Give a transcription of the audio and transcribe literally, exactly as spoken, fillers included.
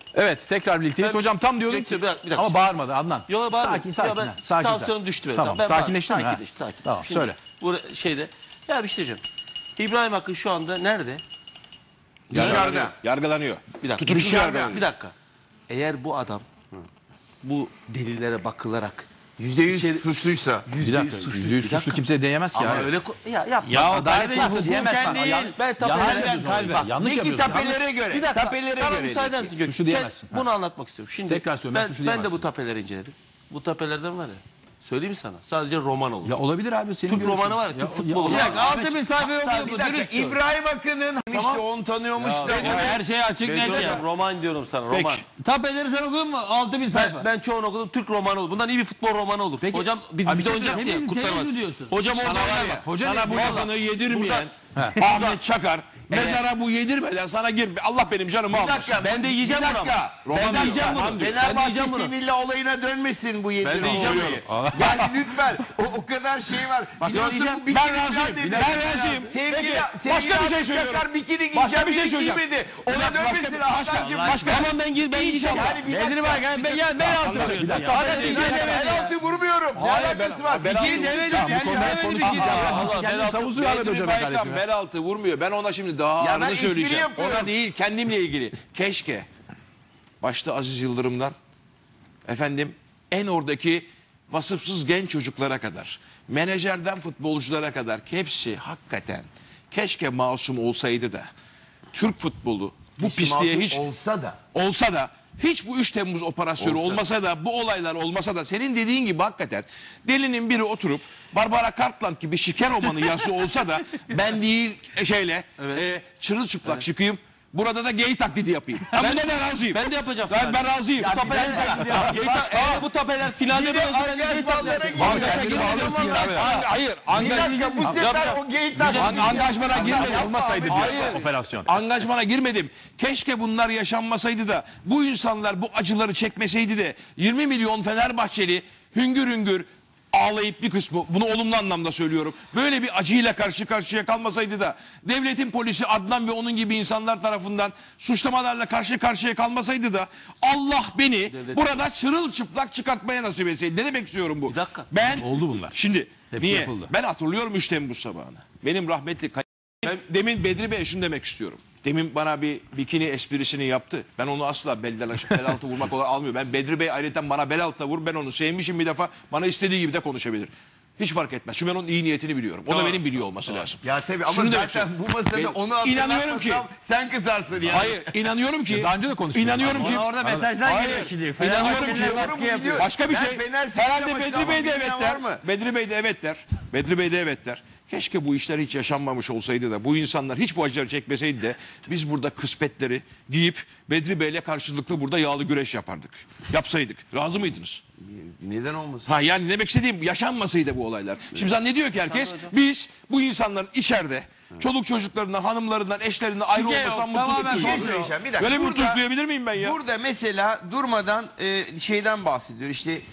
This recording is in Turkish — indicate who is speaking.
Speaker 1: Evet, tekrar birlikteyiz.
Speaker 2: Ben-
Speaker 1: Hocam tam diyordum ki
Speaker 2: Bir dakika, bir dakika.
Speaker 1: ama bağırmadı Adnan.
Speaker 2: Yok bağırma.
Speaker 1: Sakin sakin.
Speaker 2: Ya ben
Speaker 1: ha, sakin,
Speaker 2: tansiyonum
Speaker 1: sakin.
Speaker 2: düştü benim.
Speaker 1: Tamam,
Speaker 2: Ben
Speaker 1: sakinleştin mi? Ha?
Speaker 2: Sakinleşti, sakinleşti.
Speaker 1: Tamam,
Speaker 2: Şimdi
Speaker 1: söyle.
Speaker 2: Bu şeyde ya bir şey diyeceğim. İbrahim Akın şu anda nerede?
Speaker 3: Dışarıda.
Speaker 4: Yargılanıyor.
Speaker 2: Bir dakika.
Speaker 4: Tutuksuz
Speaker 2: Dışarıda.
Speaker 4: yargılanıyor.
Speaker 2: Bir dakika. Eğer bu adam bu delillere bakılarak
Speaker 3: Yüzde yüz
Speaker 2: İçeri-
Speaker 3: suçluysa.
Speaker 1: Bir dakika, yüzde yüz
Speaker 2: Bir
Speaker 1: suçlu
Speaker 2: dakika.
Speaker 1: kimse diyemez ki
Speaker 2: ama
Speaker 1: ya.
Speaker 2: öyle ko- ya yapma.
Speaker 1: Ya
Speaker 2: Adalet
Speaker 1: kardeşim,
Speaker 2: hukuken
Speaker 1: diyemezsen.
Speaker 2: değil.
Speaker 1: Ya-
Speaker 2: Ben
Speaker 1: yanlış
Speaker 2: tapelerden
Speaker 1: yapıyorsun
Speaker 2: kalbe.
Speaker 1: orada. Yanlış
Speaker 3: De ki
Speaker 1: yapıyorsun.
Speaker 3: tapelere göre.
Speaker 2: Bir dakika.
Speaker 3: Tapelere
Speaker 2: Bana
Speaker 3: göre.
Speaker 2: müsaaden
Speaker 3: dedi.
Speaker 2: misin?
Speaker 1: Suçlu diyemezsin.
Speaker 2: Bunu anlatmak istiyorum. Şimdi
Speaker 1: Tekrar söyle, ben
Speaker 2: ben,
Speaker 1: suçlu
Speaker 2: ben de
Speaker 1: diyemezsin.
Speaker 2: bu tapeleri inceledim. Bu tapelerden var ya. Söyleyeyim mi sana? Sadece roman olur.
Speaker 1: Ya olabilir abi senin
Speaker 2: Türk
Speaker 1: görüşün.
Speaker 2: romanı var ya, Türk futbolu.
Speaker 1: ya-
Speaker 2: Bir dakika,
Speaker 1: Ahmet-
Speaker 5: Altı bin sayfa okuyor
Speaker 3: Bir
Speaker 5: bu
Speaker 3: dakika,
Speaker 5: dürüst.
Speaker 3: İbrahim Akın'ın işte onu tanıyormuş da.
Speaker 5: Ya her şey açık net
Speaker 2: Hocam,
Speaker 5: ya.
Speaker 2: roman diyorum sana, roman.
Speaker 4: Peki.
Speaker 5: Tapeleri sen okudun mu? Altı bin sayfa.
Speaker 2: Ben, ben çoğunu okudum. Türk romanı olur. Bundan iyi bir futbol romanı olur.
Speaker 1: Peki.
Speaker 2: Hocam bir
Speaker 1: Abi bir
Speaker 2: dizide
Speaker 1: şey
Speaker 2: oynayacak diye
Speaker 5: söyleyeyim.
Speaker 2: kurtarmaz.
Speaker 5: Temiz mi diyorsun?
Speaker 2: Hocam
Speaker 4: Sana
Speaker 2: orada
Speaker 4: var
Speaker 2: oynar
Speaker 4: ya,
Speaker 2: bak. Hoca
Speaker 4: sana bu
Speaker 2: Vallahi.
Speaker 4: lafını yedirmeyen Ahmet Çakar mezara bu yedirmeden sana gir. Allah benim canımı
Speaker 3: Bir
Speaker 4: almasın.
Speaker 3: dakika.
Speaker 2: Ben de yiyeceğim
Speaker 3: bir
Speaker 2: bunu
Speaker 3: dakika.
Speaker 2: ama.
Speaker 3: Ben
Speaker 2: Ben de yiyeceğim bunu.
Speaker 3: Fenerbahçe
Speaker 2: Ben de yiyeceğim bunu.
Speaker 3: Sevilla olayına dönmesin bu yedirme
Speaker 2: Ben de yiyeceğim
Speaker 3: olayı. Yani lütfen o, o kadar şey var. Biliyorsun
Speaker 2: yiyeceğim.
Speaker 3: bu bikini
Speaker 4: Ben razıyım.
Speaker 3: falan dedi.
Speaker 4: Ben razıyım.
Speaker 3: Sevgili,
Speaker 4: Peki,
Speaker 3: sevgili
Speaker 4: başka bir şey
Speaker 3: Ahmet
Speaker 4: söylüyorum.
Speaker 3: Çakar bikini
Speaker 4: Başka
Speaker 3: giyeceğim
Speaker 4: bir şey
Speaker 3: dedi,
Speaker 4: söyleyeceğim.
Speaker 3: giymedi. Ona
Speaker 4: Başka-
Speaker 3: dönmesin
Speaker 4: başka-
Speaker 3: Hakan'cığım.
Speaker 4: başka-
Speaker 2: Tamam ben gir ben yiyeceğim.
Speaker 3: Yani bir
Speaker 5: Nedir
Speaker 3: dakika.
Speaker 5: bak ya? Ben, ya, ben altı vuruyorsun
Speaker 4: bir dakika.
Speaker 5: ya.
Speaker 3: Hadi
Speaker 5: Hadi
Speaker 3: ben
Speaker 5: bir
Speaker 3: de
Speaker 5: demedi ya.
Speaker 3: penaltı vurmuyorum. Ne
Speaker 4: Hayır,
Speaker 3: alakası
Speaker 4: ben-
Speaker 3: var?
Speaker 4: ben-
Speaker 3: İkili
Speaker 4: ben-
Speaker 3: demedim.
Speaker 4: ben-
Speaker 3: Yani
Speaker 1: Bu konuda
Speaker 3: demedim.
Speaker 1: konuşmayacağım. Ya,
Speaker 2: Allah,
Speaker 1: kendini
Speaker 2: ben-
Speaker 1: savunuyor Ahmet
Speaker 4: Bedri
Speaker 1: Hocam
Speaker 4: Baykan
Speaker 1: kardeşim.
Speaker 4: bel altı vurmuyor. Ben ona şimdi daha
Speaker 3: Ya ben
Speaker 4: ağırını
Speaker 3: espri
Speaker 4: söyleyeceğim.
Speaker 3: yapıyorum.
Speaker 4: Ona değil, kendimle ilgili. Keşke başta Aziz Yıldırım'dan efendim en oradaki vasıfsız genç çocuklara kadar, menajerden futbolculara kadar hepsi hakikaten keşke masum olsaydı da Türk futbolu bu pisliğe
Speaker 3: Masum
Speaker 4: hiç
Speaker 3: olsa da.
Speaker 4: olsa da hiç bu üç Temmuz operasyonu
Speaker 3: Olsa.
Speaker 4: olmasa da bu olaylar olmasa da senin dediğin gibi hakikaten delinin biri oturup Barbara Cartland gibi şiker romanı yazısı olsa da ben değil e, şeyle e, çırılçıplak çıkayım. Burada da gay taklidi yapayım. Ben,
Speaker 2: Ben-
Speaker 4: buna da razıyım.
Speaker 2: Ben de yapacağım.
Speaker 4: Ben, ben razıyım.
Speaker 2: Bu tapeler, eğer bu tapeler finalde de olsa ben de gay
Speaker 3: Angajmanlara
Speaker 2: tapeler.
Speaker 3: girmiyor.
Speaker 1: Vallahi kendini bağlıyorsun ya abi.
Speaker 4: Ang- hayır.
Speaker 3: Bir
Speaker 4: Angaj,
Speaker 3: dakika bu sefer o gay taklidi.
Speaker 4: angajmana girmedim.
Speaker 1: Olmasaydı diyor
Speaker 4: Hayır.
Speaker 1: operasyon.
Speaker 4: Angajmana girmedim. Keşke bunlar yaşanmasaydı da bu insanlar bu acıları çekmeseydi de yirmi milyon Fenerbahçeli hüngür hüngür ağlayıp bir kısmı, bunu olumlu anlamda söylüyorum, böyle bir acıyla karşı karşıya kalmasaydı da devletin polisi Adnan ve onun gibi insanlar tarafından suçlamalarla karşı karşıya kalmasaydı da Allah beni burada çırılçıplak çıkartmaya nasip etseydi. Ne demek istiyorum bu?
Speaker 2: Bir dakika.
Speaker 4: Ben
Speaker 1: Oldu bunlar.
Speaker 4: Şimdi
Speaker 1: Hepsi
Speaker 4: niye?
Speaker 1: yapıldı.
Speaker 4: Ben hatırlıyorum üç Temmuz sabahını. Benim rahmetli kay- ben demin Bedri Bey şunu demek istiyorum. Demin bana bir bikini esprisini yaptı. Ben onu asla belden aşağı bel altı vurmak olarak almıyorum. Ben Bedri Bey ayrıca bana bel altına vur. Ben onu sevmişim bir defa. Bana istediği gibi de konuşabilir. Hiç fark etmez. Çünkü ben onun iyi niyetini biliyorum. O da benim biliyor olması lazım.
Speaker 3: Ya tabii ama
Speaker 4: Şunu demek
Speaker 3: zaten
Speaker 4: istiyorum.
Speaker 3: bu masada
Speaker 4: Ben
Speaker 3: onu
Speaker 4: inanıyorum ki-
Speaker 3: hatırlatmasam sen kızarsın ya.
Speaker 4: Hayır, inanıyorum ki.
Speaker 1: Daha önce de konuştuk.
Speaker 4: İnanıyorum ki.
Speaker 5: Ona orada mesajlar
Speaker 4: Hayır,
Speaker 5: geliyor şimdi.
Speaker 4: inanıyorum ki.
Speaker 5: Fenerbahçeliler
Speaker 3: Doğru mu
Speaker 5: baskı yapıyor.
Speaker 3: biliyor?
Speaker 4: Başka bir
Speaker 3: Ben
Speaker 4: şey.
Speaker 3: Fener Sevilla
Speaker 4: Herhalde
Speaker 3: maçı
Speaker 4: Bedri
Speaker 3: ama
Speaker 4: Bey de
Speaker 3: bilmeyen
Speaker 4: evet
Speaker 3: var
Speaker 4: der.
Speaker 3: mı?
Speaker 4: Bedri Bey de evet der. Bedri Bey de evet der. Keşke bu işler hiç yaşanmamış olsaydı da bu insanlar hiç bu acıları çekmeseydi de biz burada kısmetleri deyip Bedri Bey'le karşılıklı burada yağlı güreş yapardık. Yapsaydık. Razı mıydınız?
Speaker 3: Neden olmasın?
Speaker 4: Ha yani demek istediğim yaşanmasaydı bu olaylar. Şimdi zannediyor ki herkes biz bu insanların içeride çoluk çocuklarından, hanımlarından, eşlerinden ayrı
Speaker 5: Şike yok,
Speaker 4: olmasından
Speaker 5: tamamen
Speaker 4: mutluluk
Speaker 3: Bir şey
Speaker 4: duyuyor.
Speaker 3: söyleyeceğim. Bir dakika.
Speaker 4: Böyle bir
Speaker 3: Burada-
Speaker 4: mutluluk duyabilir miyim ben ya?
Speaker 3: Burada mesela durmadan e, şeyden bahsediyor. İşte